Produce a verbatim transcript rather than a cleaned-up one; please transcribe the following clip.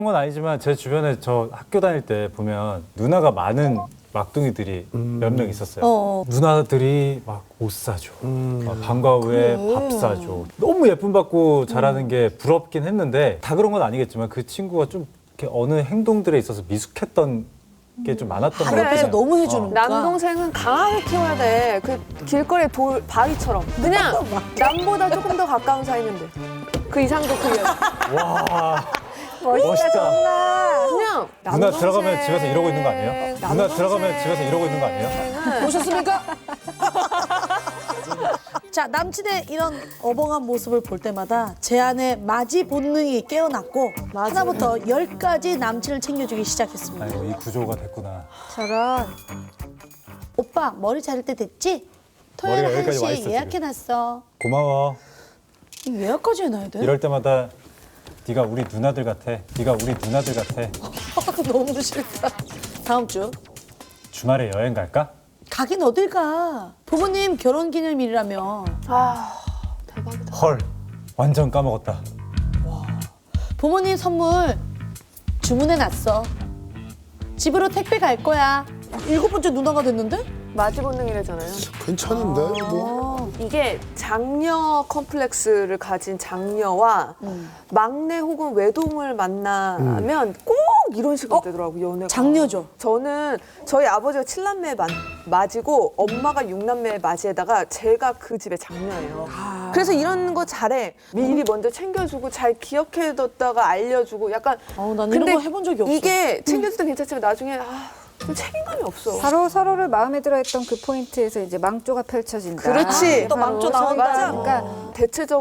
건 아니지만 제 주변에 저 학교 다닐 때 보면 누나가 많은 막둥이들이 몇 명 있었어요. 어. 누나들이 막 옷 사줘, 막 방과 후에 밥 사줘. 너무 예쁨 받고 자라는 게 부럽긴 했는데 다 그런 건 아니겠지만 그 친구가 좀 이렇게 어느 행동들에 있어서 미숙했던 게 좀 많았던 것 바로 옆에서 같아요. 너무 해주니까. 남동생은 강하게 키워야 돼. 그 길거리에 돌 바위처럼. 그냥 남보다 조금 더 가까운 사이면 돼. 그 이상도 그려. 와, 멋있다, 멋있다. 정말. 그냥 누나 남동생. 들어가면 집에서 이러고 있는 거 아니에요? 누나 남동생. 들어가면 집에서 이러고 있는 거 아니에요? 보셨습니까? 자, 남친의 이런 어벙한 모습을 볼 때마다 제 안에 맞이 본능이 깨어났고 하나부터 열까지 남친을 챙겨주기 시작했습니다. 아이고 이 구조가 됐구나. 저런. 오빠, 머리 자를 때 됐지? 토요일 머리가 여기까지 와 한 있어, 시 예약해놨어. 고마워. 이거 예약까지 해놔야 돼? 이럴 때마다 네가 우리 누나들 같아. 네가 우리 누나들 같아. 너무 싫다. 다음 주. 주말에 여행 갈까? 가긴 어딜 가. 부모님 결혼기념일이라며. 아, 대박이다. 헐, 완전 까먹었다. 부모님 선물 주문해놨어. 집으로 택배 갈 거야. 일곱 번째 누나가 됐는데? 마지 본능이래잖아요. 괜찮은데 뭐. 이게 장녀 컴플렉스를 가진 장녀와 음. 막내 혹은 외동을 만나면 꼭 이런 식으로 되더라고요, 연애가. 장녀죠. 저는 저희 아버지가 칠남매 만- 맞이고 엄마가 육남매 맞이에다가 제가 그 집의 장녀예요. 그래서 이런 거 잘해. 미리 먼저 챙겨주고 잘 기억해뒀다가 알려주고 약간. 어, 난 이런 거 해본 적이 없어. 이게 챙겨줄 땐 괜찮지만 나중에 아, 좀 책임감이 없어. 바로 서로를 마음에 들어했던 그 포인트에서 이제 망조가 펼쳐진다. 그렇지. 또 망조 나온다. 맞아. 그러니까 대체적으로